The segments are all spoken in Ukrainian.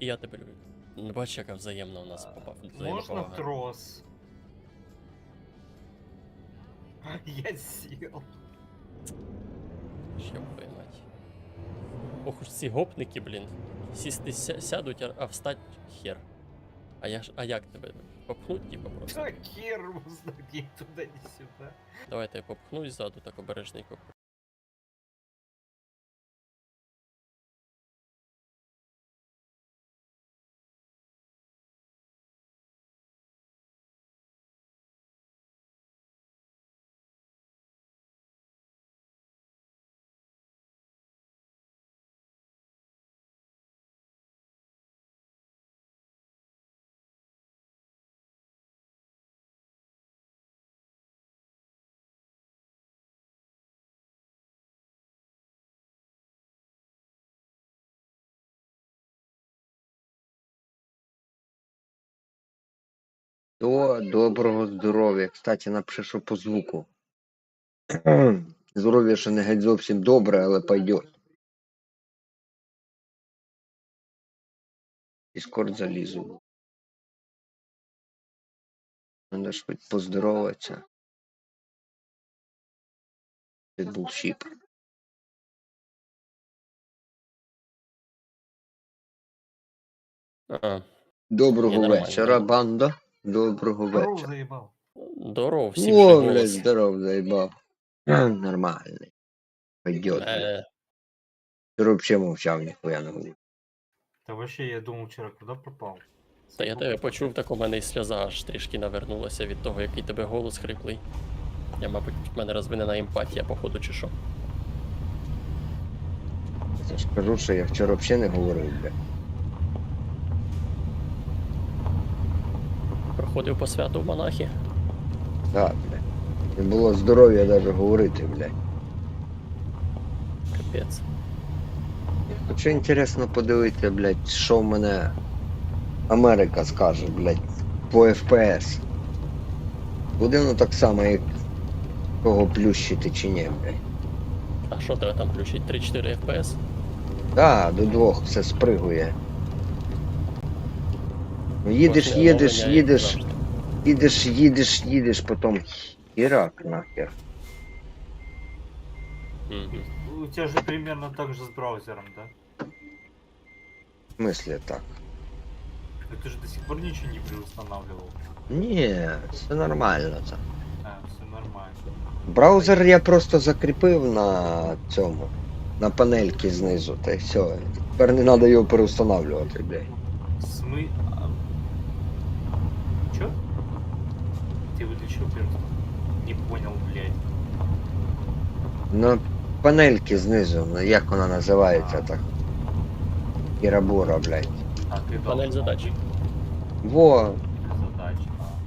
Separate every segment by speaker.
Speaker 1: і я тебе люблю. Не бачиш, яка взаємна у нас попав.
Speaker 2: Можна трос? Я сел.
Speaker 1: Що поймать. Ох уж ці гопники, блін. Сісти сядуть, а встать хер. А як тебе? Попхнуть, типа, просто?
Speaker 2: Да хер узнать, ни туда, ни сюда.
Speaker 1: Давайте я попхну ззаду, так обережненько.
Speaker 3: Доброго здоров'я. Кстати, напиши, що по звуку. Здоров'я ще не геть зовсім добре, але пойдет. Дискорд залізу. Надо ж хоч поздороватися. Це був щіп.
Speaker 1: А,
Speaker 3: Доброго
Speaker 1: Ні, нормально,
Speaker 3: вечора,
Speaker 1: нормально.
Speaker 3: банда. Доброго
Speaker 2: Здорово
Speaker 3: вечора.
Speaker 2: заебал.
Speaker 1: здоров, всім
Speaker 3: О,
Speaker 1: же
Speaker 3: блядь,
Speaker 1: голос.
Speaker 3: здоров, заїбав. Нормальний. Пойдет, блядь. Ти взагалі мовчав, ніхуя не говорив.
Speaker 2: Да вообще, я думал вчера, куда пропал?
Speaker 1: Та я тебе почув, так у мене і сльоза аж трішки навернулася від того, який тебе голос хриплий. Я, мабуть, в мене розвинена емпатія, походу, чи що.
Speaker 3: Я ж кажу, що я вчора взагалі не говорив, блядь.
Speaker 1: Проходив по святу в монахи.
Speaker 3: Так, блядь. Не було здоров'я навіть говорити, блядь.
Speaker 1: Капець.
Speaker 3: Хочу інтересно подивитися, блядь, що в мене Америка скаже, блядь, по FPS. Буде воно так само, як кого плющити чи ні, блядь.
Speaker 1: А що тебе там включить? 3-4 FPS?
Speaker 3: Так, до 2 все спригує. Ну, їдеш,
Speaker 1: Кожне
Speaker 3: їдеш,
Speaker 1: оновлення, як
Speaker 3: їдеш,
Speaker 1: завжди.
Speaker 3: їдеш, потім хірак нахер.
Speaker 1: Мгм.
Speaker 2: У тебя же примерно так же с браузером, да?
Speaker 3: В смислі так?
Speaker 2: Но ты же до сих пор ничего не переустанавливал.
Speaker 3: Ні, все нормально це.
Speaker 2: А, все нормально.
Speaker 3: Браузер я просто закріпив на цьому, на панельки знизу, та й все. Тепер не треба його переустанавлювати, блядь.
Speaker 2: Чё? Ты выключил первый? Не понял, блядь.
Speaker 3: На панельки знизу, ну, як вона називається так? Кірабура, блядь.
Speaker 2: А, ты
Speaker 1: Панель задач.
Speaker 3: Во,
Speaker 2: Задач.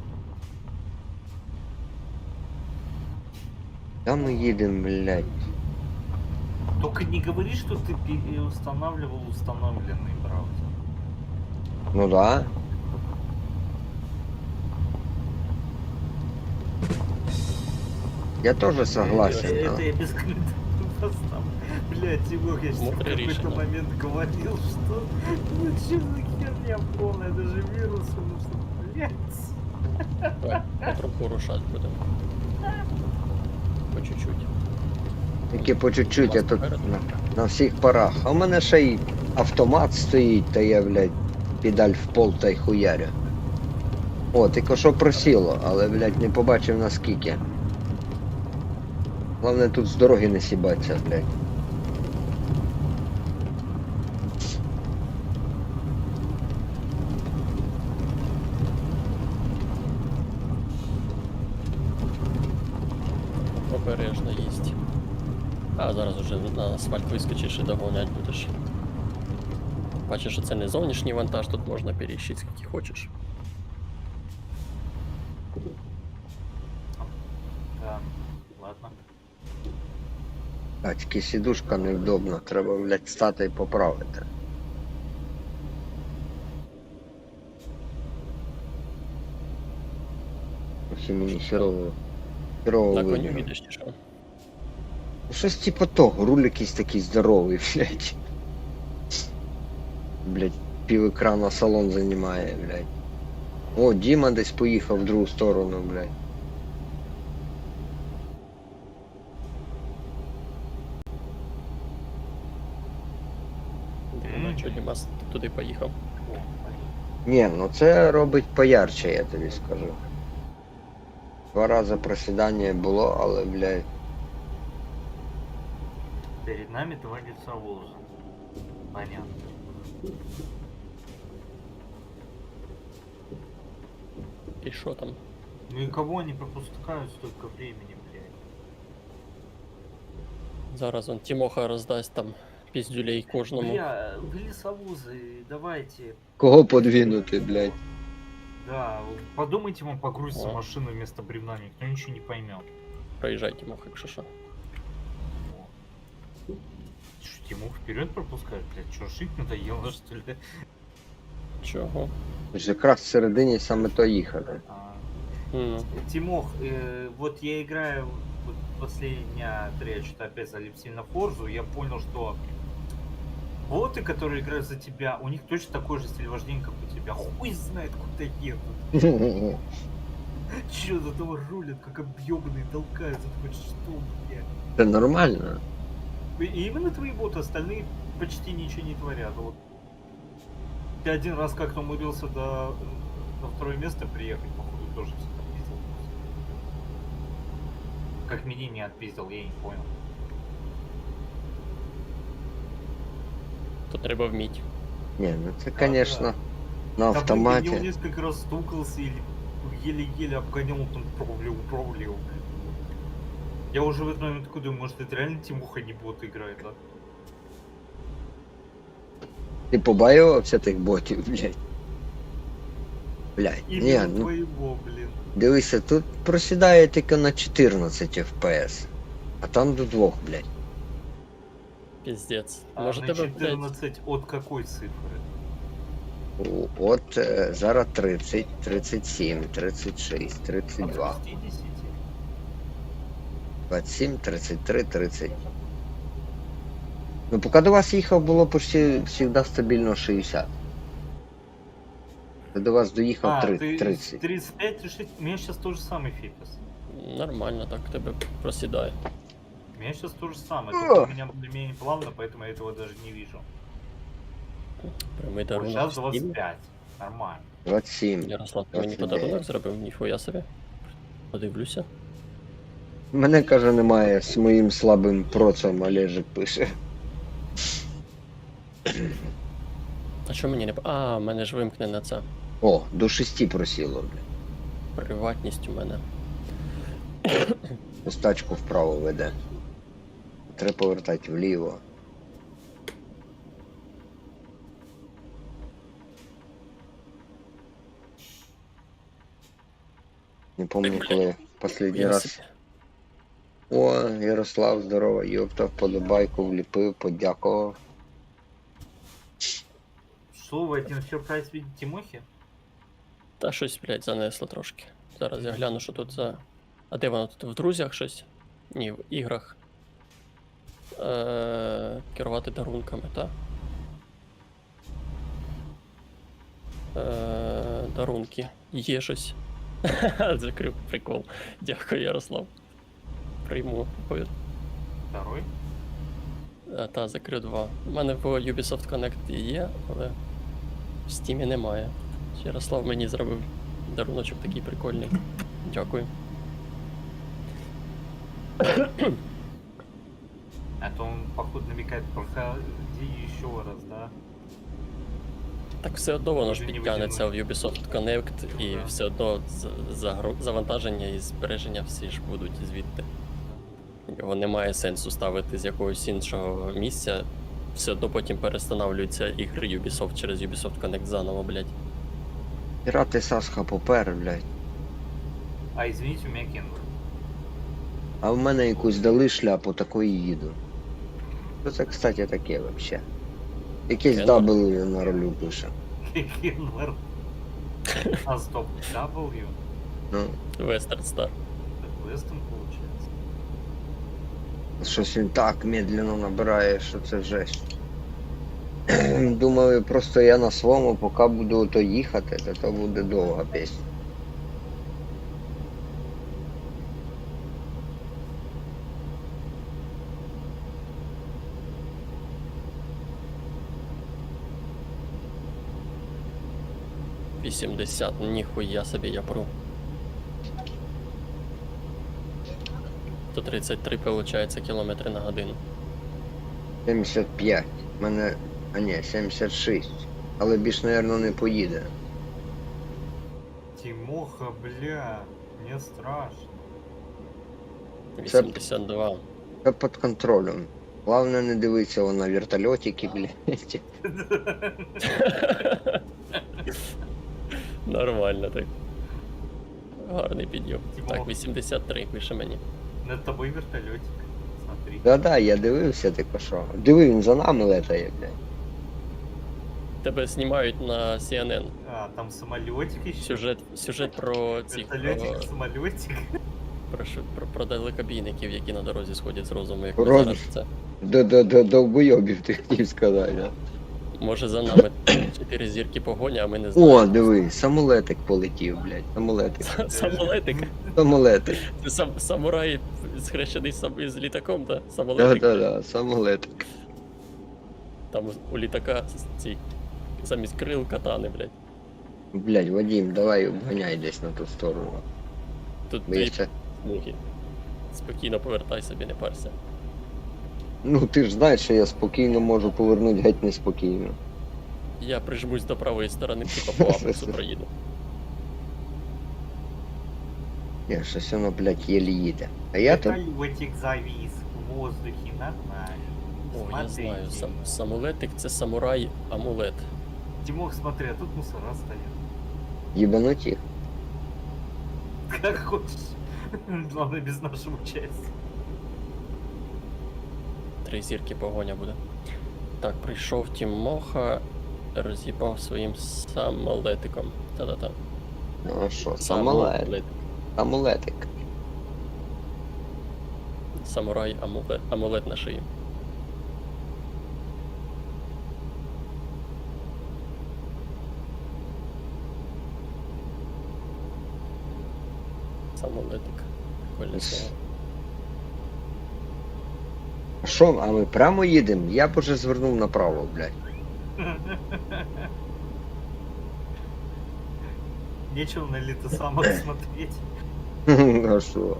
Speaker 3: там ми їдемо, блядь.
Speaker 2: Только не говори, что ты переустанавливал установленный браузер.
Speaker 3: Ну да. Я тоже согласен.
Speaker 2: Это я без комментариев поставлю. Блядь, Тимур, я сейчас в
Speaker 1: Мудрое
Speaker 2: какой-то
Speaker 1: решение.
Speaker 2: момент говорил, что ну что за херня полная, даже вирусы, ну что, блядь.
Speaker 1: Давай, потроху рушать будемо. По чуть-чуть.
Speaker 3: Тільки по чуть-чуть, я тут на всіх парах. А в мене ще й автомат стоїть, та я, блядь, педаль в пол та й хуярю. О, тільки що просіло, але, блядь, не побачив наскільки. Головне тут з дороги не сібаться, блядь.
Speaker 1: Обережно їсть. А зараз уже на асфальт вискочиш і догонять будеш. Бачиш, що це не зовнішній вантаж, тут можна періщити скільки хочеш.
Speaker 2: Да, ладно.
Speaker 3: А, тільки сідушка невдобна, треба, блядь, стати і поправити. Ось і мені херово
Speaker 1: На коню
Speaker 3: видно.
Speaker 1: їдеш чи що?
Speaker 3: Ну, щось типу того, руль якийсь такий здоровий, блядь. Блядь, пів екрана салон займає, блядь. О, Діма десь поїхав в другу сторону, блядь.
Speaker 1: Дивно, що Дімас туди поїхав.
Speaker 3: Ні, ну це робить поярче, я тобі скажу. 2 рази просідання було, але, блядь.
Speaker 2: Перед нами 2 лица Волжа. Понятно.
Speaker 1: І що там?
Speaker 2: Ну и кого они пропускают столько времени, блядь?
Speaker 1: Зараз он Тімоха роздасть там піздюлей кожному.
Speaker 2: Бля, вы лесовозы, давайте.
Speaker 3: Кого подвинути, блядь?
Speaker 2: Да, подумайте, вам погрузится
Speaker 1: О.
Speaker 2: машину вместо бревна, никто ничего не поймет.
Speaker 1: Проїжджай, Тімоха, якщо що.
Speaker 2: Что, Тимур вперед пропускает, блядь? Что, жить надоело, что ли?
Speaker 1: Чого?
Speaker 3: Ж якраз всередині саме то їхати.
Speaker 2: Тимох, вот я играю вот последние 3, я что-то опять залип сильно в Форзу, я понял, что боты, которые играют за тебя, у них точно такой же стиль вождения, как у тебя. Хуй знает, куда едут. Чё, за того рулят, как объебанные, толкаются, хоть что, блядь.
Speaker 3: Це нормально.
Speaker 2: И именно твои боты, остальные почти ничего не творят. Вот. Ты один раз как-то умудрился до 2 места приехать, походу, тоже все отпиздил. Как меня не отпиздил, я не понял.
Speaker 1: То треба вміти.
Speaker 3: Ні, ну це,
Speaker 2: Да,
Speaker 3: звісно, на
Speaker 2: Да, блин, я
Speaker 3: автоматі.
Speaker 2: несколько раз стукался или еле-еле обгонял, там провлил. Я уже в этот момент такой думаю, может это реально Тимуха не бот играет, да?
Speaker 3: Ти побаювався тих ботів, блядь. Блядь, ні,
Speaker 2: Именно
Speaker 3: ну
Speaker 2: твоего, блин.
Speaker 3: дивися, тут просідає тільки на 14 FPS. А там до 2, блядь.
Speaker 1: Піздець.
Speaker 2: А
Speaker 1: Може
Speaker 2: на
Speaker 1: тебе, блядь,
Speaker 2: 14 от какой цифры?
Speaker 3: От зараз 30, 37, 36,
Speaker 2: От
Speaker 3: 32,
Speaker 2: 60?
Speaker 3: 27, 33, 30. Ну, поки до вас їхав, було почти завжди стабільно 60. Я до вас доїхав
Speaker 2: А,
Speaker 3: 30.
Speaker 2: ты 35, 36, у меня сейчас тот же самый фикус.
Speaker 1: нормально так тебе просідає.
Speaker 2: У меня сейчас то же самое, только у меня более-менее плавно, поэтому я этого даже не вижу.
Speaker 1: Прямий
Speaker 2: Вот
Speaker 1: дарунок.
Speaker 2: сейчас
Speaker 1: в Стімі.
Speaker 2: 25, нормально.
Speaker 3: 27.
Speaker 1: Ярослав, ти мені
Speaker 3: 29.
Speaker 1: подарунок зробив, ніхуя собі. Подивлюся.
Speaker 3: Мене, каже, немає з моїм слабим процом, Олежик пише.
Speaker 1: А що мені не... А, мене ж вимкнена ця
Speaker 3: О, до 6 просіло, блядь.
Speaker 1: приватність у мене.
Speaker 3: Ось тачку вправо веде. Треба повертати вліво. Не пам'ятаю, коли останній
Speaker 1: Я
Speaker 3: раз.
Speaker 1: собі.
Speaker 3: О, Ярослав, здорово, йопта, вподобайку вліпив, подякував.
Speaker 2: Что вы один сюрприз видите Тимохи?
Speaker 1: Та щось, блядь, занесло трошки. Зараз я гляну, що тут за. А де воно тут в друзях щось? Ні, в іграх. Керувати дарунками, так? Дарунки. Є щось. Закрив прикол. Дякую, Ярослав. Прийму.
Speaker 2: Второй?
Speaker 1: Та, закрив 2. У мене в Ubisoft Connect є, але в Steam немає. Ярослав мені зробив даруночок такий прикольний. Дякую.
Speaker 2: А то он, походу, намекает, проходи еще раз, да?
Speaker 1: Так все одно воно ж
Speaker 2: Може, не
Speaker 1: підтягнеться в Ubisoft Connect і
Speaker 2: Да.
Speaker 1: все одно завантаження і збереження всі ж будуть звідти. Його немає сенсу ставити з якогось іншого місця. Все одно потім перестановлюються ігри Ubisoft через Ubisoft Connect заново, блядь.
Speaker 3: Пірати Сасха попер, блядь.
Speaker 2: А, извините, у меня кенгуру.
Speaker 3: А в мене якусь дали шляпу, такої їду. Що це, кстати, таке вообще? Якийсь
Speaker 1: Кенгур?
Speaker 3: W на ролю пише.
Speaker 2: Кенгуру. А, стоп, W?
Speaker 3: Ну,
Speaker 1: Western Star.
Speaker 2: Так Вестон получается.
Speaker 3: щось він так медленно набирає, що це жесть. Думаю, просто я на своєму, поки буду то їхати, то буде довга пісня.
Speaker 1: — 80, ніхуя собі я пру. 133, виходить, кілометри на годину.
Speaker 3: 75. Мене. А ні, 76. Але більш, мабуть, не поїде.
Speaker 2: Тимоха, бля, мне страшно.
Speaker 1: 82.
Speaker 3: Це під контролем. Головне не дивитися на вертольотики, блядь.
Speaker 1: Нормально так. Гарний підйом.
Speaker 2: Типу-
Speaker 1: Так, 83 пише мені.
Speaker 2: Над тобой вертолетик. Смотри.
Speaker 3: Да-да, я дивився, ти що. Диви, він за нами летає, блядь.
Speaker 1: Тебе знімають на CNN.
Speaker 2: А, там самолетик еще.
Speaker 1: Сюжет про цих
Speaker 2: Вертолетик, самолетик.
Speaker 1: про далекобійників, які на дорозі сходять з розуму, як
Speaker 3: Ром-
Speaker 1: зараз це.
Speaker 3: Довбойобів ти хотів сказати, да?
Speaker 1: Може за нами 4 зірки погоня, а ми не знаємо.
Speaker 3: О, диви, самолетик полетів, блядь. Самолетик.
Speaker 1: Самолетик.
Speaker 3: Самолетик.
Speaker 1: Це самурай схрещений з літаком, так? Самолетик.
Speaker 3: Да-да-да, самолетик.
Speaker 1: Там у літака ці замість крил катани, блядь.
Speaker 3: Блядь, Вадим, давай обганяй десь на ту сторону.
Speaker 1: Тут
Speaker 3: Бо
Speaker 1: дві
Speaker 3: я ще-
Speaker 1: смуги. Спокійно повертай собі, не парся.
Speaker 3: Ну ти ж знаєш, що я спокійно можу повернути геть неспокійно.
Speaker 1: Я прижмусь до правої сторони, типа по Апексу проїду.
Speaker 3: Ні, щось воно, блядь, єлі їде. А я тут.
Speaker 2: Вертолетик завис в воздухе, нормально.
Speaker 1: О, я
Speaker 2: Смотрите.
Speaker 1: знаю, самолетик це самурай амулет.
Speaker 2: Тимох, смотри, а тут мусора стоят.
Speaker 3: Їбануть їх.
Speaker 2: Как хочешь. Главное, без нашего участия.
Speaker 1: 3 зірки погоня буде. Так, прийшов Тімоха, роз'їбав своїм самолетиком. Та-та-та.
Speaker 3: Ну а що, самолет. Амулетик.
Speaker 1: Самурай амулет на шиї. Самолетик. Прикольне слово.
Speaker 3: А що, а ми прямо їдемо? Я б уже звернув направо, блядь.
Speaker 2: Нечего на литосамок смотреть.
Speaker 3: А що?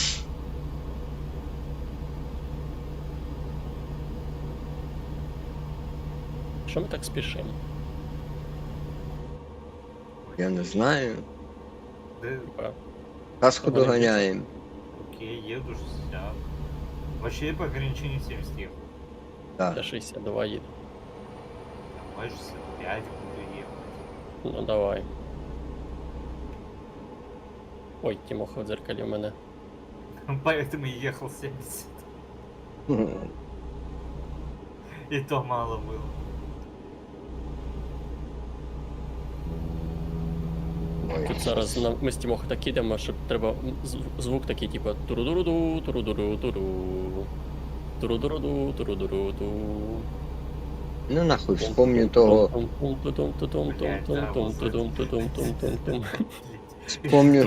Speaker 1: Що ми так спішимо?
Speaker 3: Я не знаю.
Speaker 2: Да,
Speaker 1: Типа,
Speaker 3: Каску
Speaker 1: Вони
Speaker 3: доганяємо.
Speaker 2: окей, еду 60. Вообще по ограничению 70 ехал.
Speaker 1: я
Speaker 3: Так.
Speaker 1: 62 їду.
Speaker 2: Давай 65 буду ехать.
Speaker 1: Ну давай. Ой, Тімоха в дзеркалі у мене.
Speaker 2: Поэтому и ехал 70. И то мало было.
Speaker 3: Ой,
Speaker 1: Тут зараз ми з Тімоха так ідемо, що треба звук такий, типу туру-дуруду, туру-дуру-туру. Туру-дуруду, туру-дуру-ту.
Speaker 3: Ну нахуй, вспомню того. Вспомню,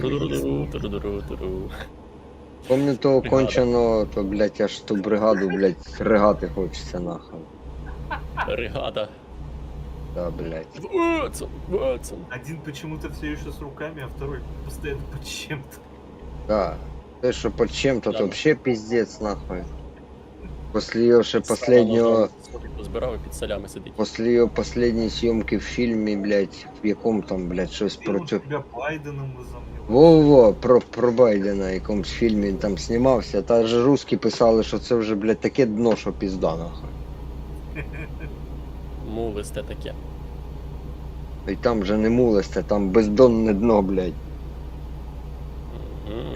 Speaker 3: вспомню того
Speaker 1: Бригада.
Speaker 3: конченого, то, блядь, аж ту бригаду, блядь, ригати хочеться нахуй.
Speaker 1: Бригада.
Speaker 3: Да, блядь.
Speaker 1: Ватсон.
Speaker 2: Один почему-то все еще с руками, а второй постоянно под чем-то.
Speaker 3: Да. Те, що под чем-то,
Speaker 1: Да.
Speaker 3: то вообще пиздец, нахуй. После ее ще последнего...
Speaker 1: Збирав і під солями сидить.
Speaker 3: После ее последней съемки в фильме, блядь, в якому там, блядь, щось
Speaker 2: И он
Speaker 3: проти...
Speaker 2: тебя Байденом возомнил.
Speaker 3: Во-во, про Байдена, якомусь фільмі він там знімався, та ж русські писали, що це вже, блядь, таке дно, що пізда, нахуй.
Speaker 1: Мулисте таке.
Speaker 3: І там вже не мулисте, там бездонне дно, блядь.
Speaker 1: Мгм.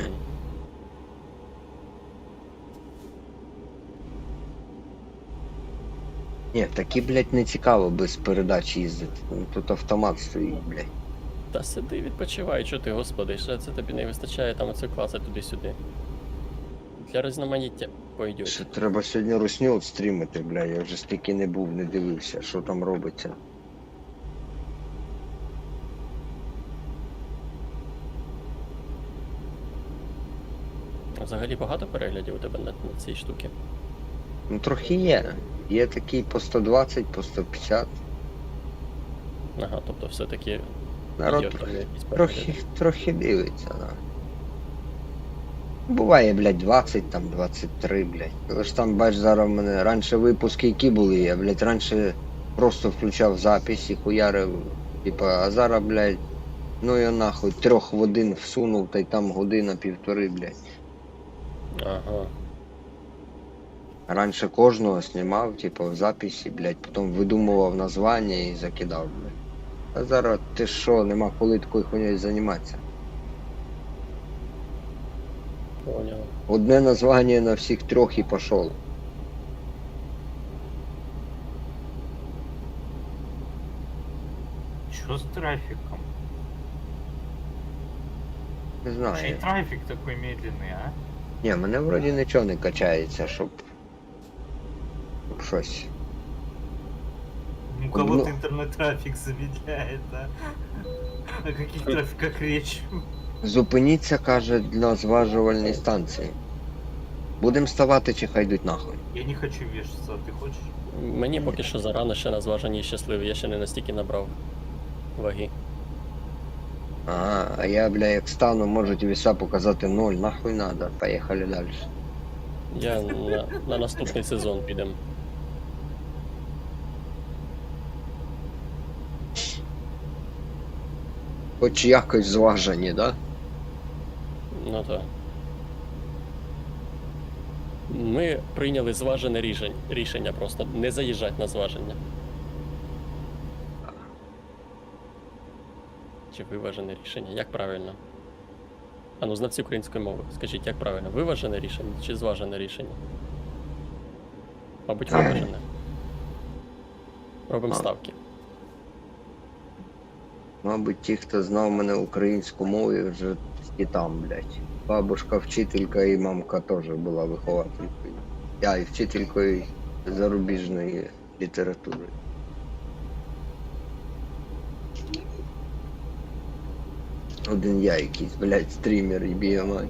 Speaker 3: Ні, такі, блядь, не цікаво без передач їздити. Ну, тут автомат стоїть, блядь.
Speaker 1: Та сиди, відпочивай, що ти, господи, що це тобі не вистачає там оце класи туди-сюди. Для різноманіття. пойдет.
Speaker 3: Ще треба сьогодні русню стрімити, бля, я вже стільки не був, не дивився, що там робиться.
Speaker 1: Взагалі багато переглядів у тебе на цій штуці?
Speaker 3: Ну трохи є. Є такі по 120, по 150.
Speaker 1: Ага, тобто все-таки
Speaker 3: Народ
Speaker 1: є в тебе якісь
Speaker 3: трохи,
Speaker 1: перегляди.
Speaker 3: трохи дивиться, да. Буває, блядь, 20, там 23, блядь. Але ж там, бач, зараз в мене раніше випуски які були, я, блядь, раніше просто включав запись і хуярив, типа, а зараз, блядь, ну я нахуй 3 годин всунув, та й там година-півтори, блядь.
Speaker 1: Ага.
Speaker 3: Раніше кожного знімав, типу, в записі, блядь, потім видумував названня і закидав, блядь. А зараз ти що, нема коли такою хуйнею займатися.
Speaker 1: Понял.
Speaker 3: Одне названня на всіх 3 і пішов.
Speaker 2: Что с трафиком?
Speaker 3: Не
Speaker 2: Чей
Speaker 3: знаю.
Speaker 2: трафик такой медленный, а?
Speaker 3: Ні, мене вроді нічого не качається, щоб щось.
Speaker 2: Ну, у кого-то интернет-трафик замедляет, а? О каких трафиках речь?
Speaker 3: Зупиніться, каже, для зважувальної станції. Будем ставати чи хай йдуть нахуй.
Speaker 2: Я не хочу вешаться, а ты хочешь?
Speaker 1: Мені поки що зарано ще на зваженні щасливий, я ще не настільки набрав ваги.
Speaker 3: Ага, а я, бля, як стану, можуть веса показати 0, нахуй надо, поїхали далі.
Speaker 1: Я на наступний сезон підем.
Speaker 3: Хоч якось зважені, да?
Speaker 1: Ну так. Ми прийняли зважене рішення просто не заїжджати на зваження. Чи виважене рішення? Як правильно? А ну, знавці української мови. Скажіть, як правильно? Виважене рішення чи зважене рішення? Мабуть, виважене. Робимо ставки.
Speaker 3: Мабуть, ті, хто знав мене українську мову, вже і там, блядь. Бабушка вчителька і мамка теж була вихователькою. Я і вчителькою зарубіжної літератури. Один я якийсь, блядь, стрімер і біомай.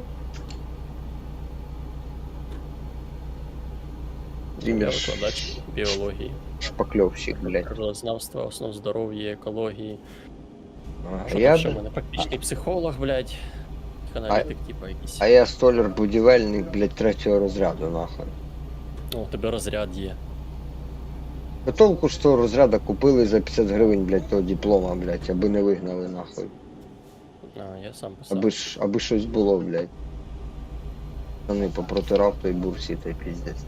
Speaker 1: Я
Speaker 3: Стрімер
Speaker 1: викладач біології,
Speaker 3: шпакльовщик, блядь.
Speaker 1: природознавства, основ здоров'я, екології.
Speaker 3: А
Speaker 1: Що
Speaker 3: я,
Speaker 1: там ще в мене? Практичний психолог, блядь. Аналітик, типа якийсь.
Speaker 3: а я столяр-будівельник, блядь, 3-го розряду, нахуй.
Speaker 1: О, у тебе розряд є.
Speaker 3: По толку ж того розряду купили за 50 гривень, блядь, того диплома, блядь, аби не вигнали, нахуй.
Speaker 1: А, я сам писав.
Speaker 3: Аби щось було, блядь. Вони попротирав той бурсі, той піздець.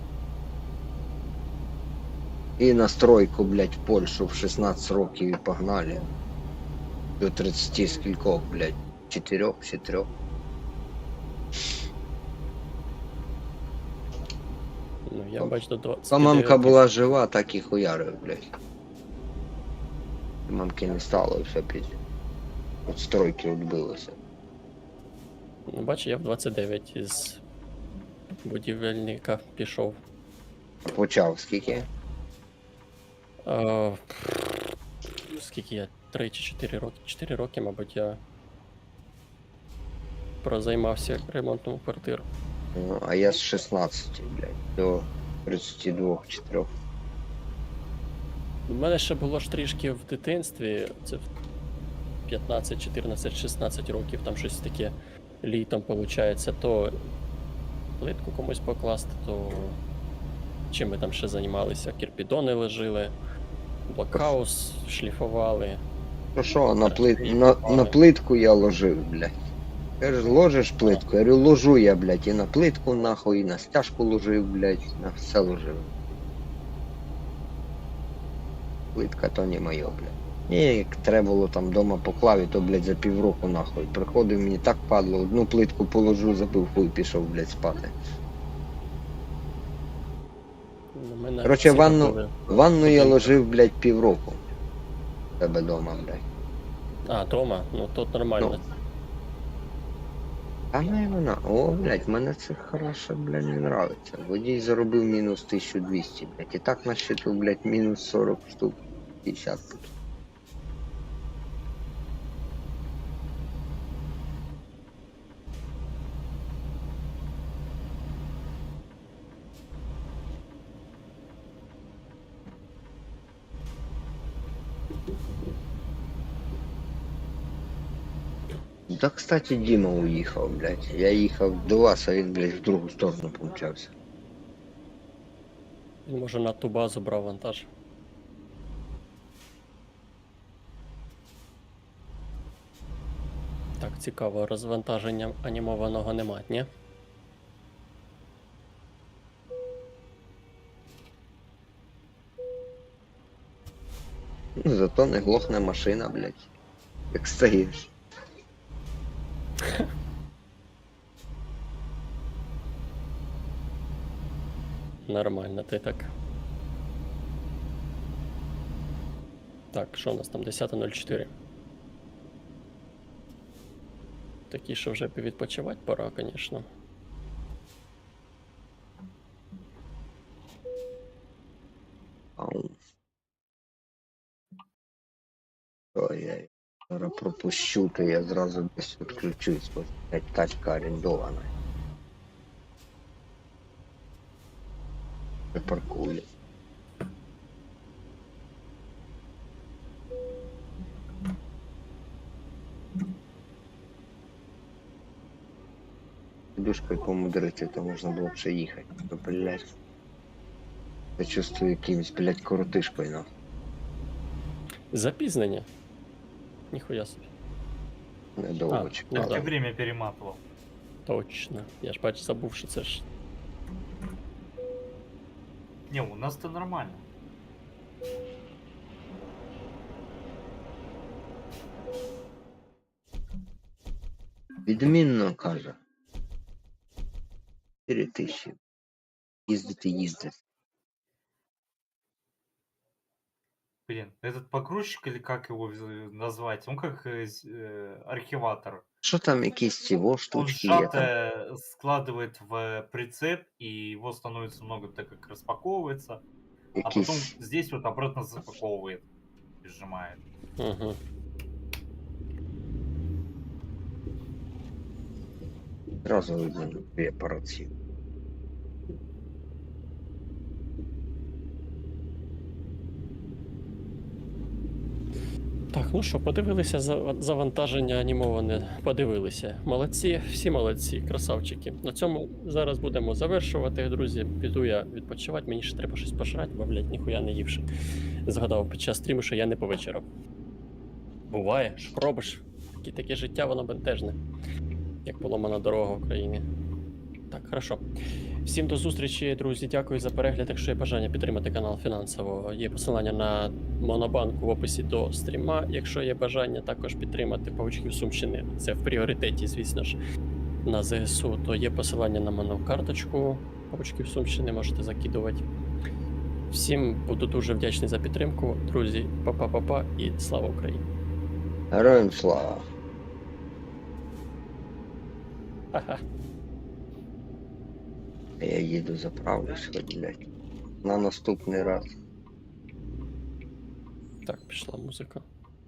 Speaker 3: І на стройку, блядь, в Польщу в 16 років і погнали. До 30 скількох, блядь. 4 чи 3.
Speaker 1: Ну, я бачу до 20.
Speaker 3: Та мамка була жива, так і хуярив, блядь. Мамки не стало, і все піздець. От стройки відбилося.
Speaker 1: Ну, бачу, я в 29 із будівельника пішов.
Speaker 3: Почав скільки?
Speaker 1: А, скільки я? 3 чи 4 роки? 4 роки, мабуть, я прозаймався ремонтом квартир.
Speaker 3: Ну, а я з 16, блядь, до 32 чи 3.
Speaker 1: У мене ще було ж трішки в дитинстві, це в 15, 14, 16 років, там щось таке літом виходить, то плитку комусь покласти, то чим ми там ще займалися? Кірпідони лежили, блокхаус шліфували.
Speaker 3: Ну що, на плитку я ложив, блядь. Кажеш, ложиш плитку? Я говорю, ложу я, блядь, і на плитку нахуй, і на стяжку ложив, блядь, на все ложив. Плитка то не моє, блядь. І як треба було там дома поклав, то, блядь, за півроку нахуй. Приходив, мені так падло, одну плитку положу, забив хуй, пішов, блядь, спати.
Speaker 1: У мене
Speaker 3: Короче,
Speaker 1: всі робили.
Speaker 3: ванну я ложив, блядь, півроку. В тебе дома, блядь.
Speaker 1: А, дома? Ну тут нормально.
Speaker 3: А ну і вона. О, блядь, мене це хорошо, блядь, не нравиться. Водій заробив мінус 1200, блядь. І так на счету, блядь, мінус 40 штук. 50 буде. Да, кстати, Діма уїхав, блядь. Я їхав до вас, а він, блядь, в другу сторону помчався.
Speaker 1: Він може на ту базу брав вантаж. Так, цікаво, розвантаження анімованого нема, ні?
Speaker 3: Ну, зато не глохне машина, блядь. Як стоїш.
Speaker 1: Нормально, ти так. Так, що у нас там? 10.04. Такі, що вже відпочивати пора, звісно.
Speaker 3: Ау. Ой, я зараз пропущу, то я зразу десь відключусь, бо блядь, тачка орендована. Припаркую. Подушкою помудрити, то можна було б ще їхати. То, блядь. Я чувствую якимось, блядь, коротишкою, нахуй.
Speaker 1: Запізнення. Ніхуя собі.
Speaker 3: Недовго
Speaker 1: Ну
Speaker 3: чекав.
Speaker 2: Так
Speaker 1: да.
Speaker 2: я время перематывал.
Speaker 1: Точно. Я ж бачу, забув, що це ж.
Speaker 2: Не, у нас-то нормально.
Speaker 3: Відмінно, каже. 4000. Їздити.
Speaker 2: Блин, этот погрузчик или как его назвать? Он как архиватор.
Speaker 3: Що там якісь цього
Speaker 2: Он
Speaker 3: штучки є там?
Speaker 2: сжатое складывает в прицеп, и его становится много, так как распаковывается. А потом
Speaker 3: Якісь.
Speaker 2: здесь вот обратно запаковывает и сжимает.
Speaker 1: Угу.
Speaker 3: Зразу видно дві апарації.
Speaker 1: Так, ну що, подивилися завантаження анімоване. Подивилися. Молодці, всі молодці, красавчики. На цьому зараз будемо завершувати, друзі. Піду я відпочивати, мені ще треба щось пожрати, бо, блядь, ніхуя не ївши. Згадав під час стріму, що я не повечеряв. Буває, що робиш. Таке життя, воно бентежне. Як поломана дорога в Україні. Так, хорошо. Всім до зустрічі, друзі. Дякую за перегляд. Якщо є бажання підтримати канал фінансово, є посилання на Монобанк в описі до стріма. Якщо є бажання також підтримати Павучків Сумщини, це в пріоритеті, звісно ж, на ЗСУ, то є посилання на монокарточку Павучків Сумщини, можете закидувати. Всім буду дуже вдячний за підтримку. Друзі, па-па-па-па і слава Україні!
Speaker 3: Героям слава.
Speaker 1: Ха-ха.
Speaker 3: Я їду заправлюсь, хоч, блядь. На наступний раз.
Speaker 1: Так, пішла музика.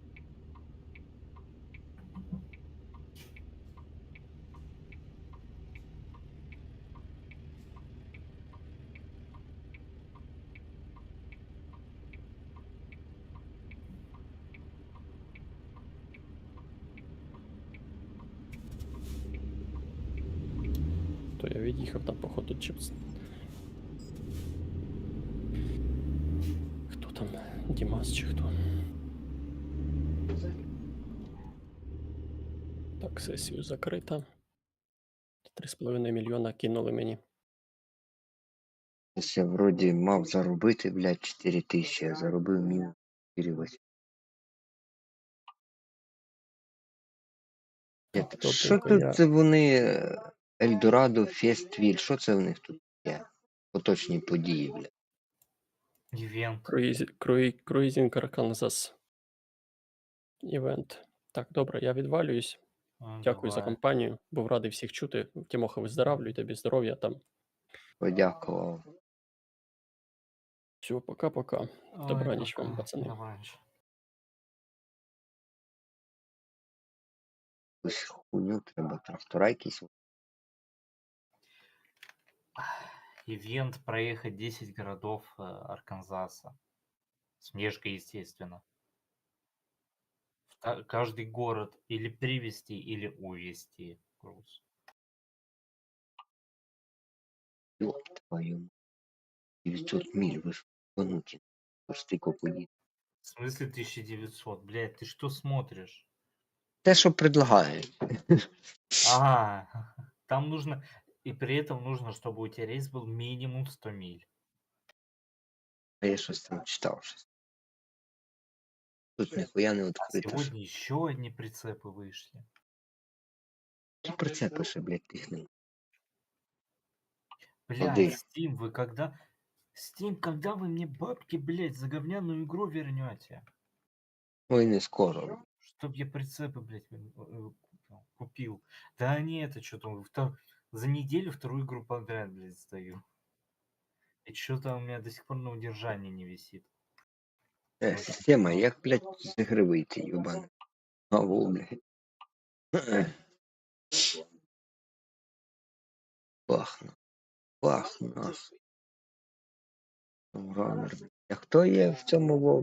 Speaker 1: То я від'їхав там, походу, чипс. Хто там? Дімас чи хто? Так, сесію закрита. 3,5 мільйона кинули мені.
Speaker 3: Ось я вроді мав заробити, блядь, 4000, а заробив мінус 4,8.
Speaker 1: Так,
Speaker 3: Що
Speaker 1: добренько,
Speaker 3: тут
Speaker 1: я...
Speaker 3: це вони Ельдорадо, Фествіль, що це в них тут є? Поточні події, блядь.
Speaker 2: Ивент.
Speaker 1: Круїзінг Арканзас. Івент. Так, добре, я відвалююсь. Дякую за
Speaker 2: Давай.
Speaker 1: компанію. Був радий всіх чути. Тімоха, виздоравлюй, тобі здоров'я там.
Speaker 3: Подякував.
Speaker 1: Все, пока-пока.
Speaker 2: Ой,
Speaker 1: Добраніч вам,
Speaker 2: пока.
Speaker 1: пацани.
Speaker 2: Добраніч.
Speaker 3: Якусь хуйню треба, трактора якісь.
Speaker 2: Ивент проехать 10 городов Арканзаса. С внешкой, естественно. Каждый город или привезти, или увезти груз.
Speaker 3: Ёб твою. мать. 900 миль, вы ж ебануті. Стико поїдь.
Speaker 2: В смысле 1900? Блядь, ты что смотришь?
Speaker 3: Те, що предлагають.
Speaker 2: Ага, там нужно... И при этом нужно, чтобы у тебя рейс был минимум 100 миль.
Speaker 3: А я щось там читав щось. Тут ніхуя не
Speaker 2: А
Speaker 3: відкрито.
Speaker 2: сегодня еще одни прицепы вышли.
Speaker 3: Які прицепи ще, блядь, тих нема.
Speaker 2: Блядь,
Speaker 3: Один.
Speaker 2: Steam, вы когда... Steam, когда вы мне бабки, блядь, за говняную игру вернете?
Speaker 3: Ой, не скоро.
Speaker 2: Чтоб я прицепы, блядь, купил. Да не, это что-то... За неделю вторую игру подряд, блядь, сдаю. И что-то у меня до сих пор на удержании не висит.
Speaker 3: Система, як, блядь, з ігри вийти, юбан. Ау, блядь. Пахну. Пахну. Ранер. А хто є в цьому вов?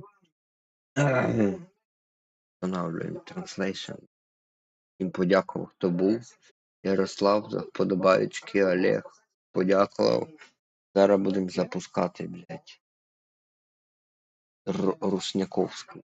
Speaker 3: Встановлюємо translation. Їм подякував, хто був. Ярослав, за вподобаючки, Олег. Подякував. Зараз будемо запускати, блядь. Русняковську.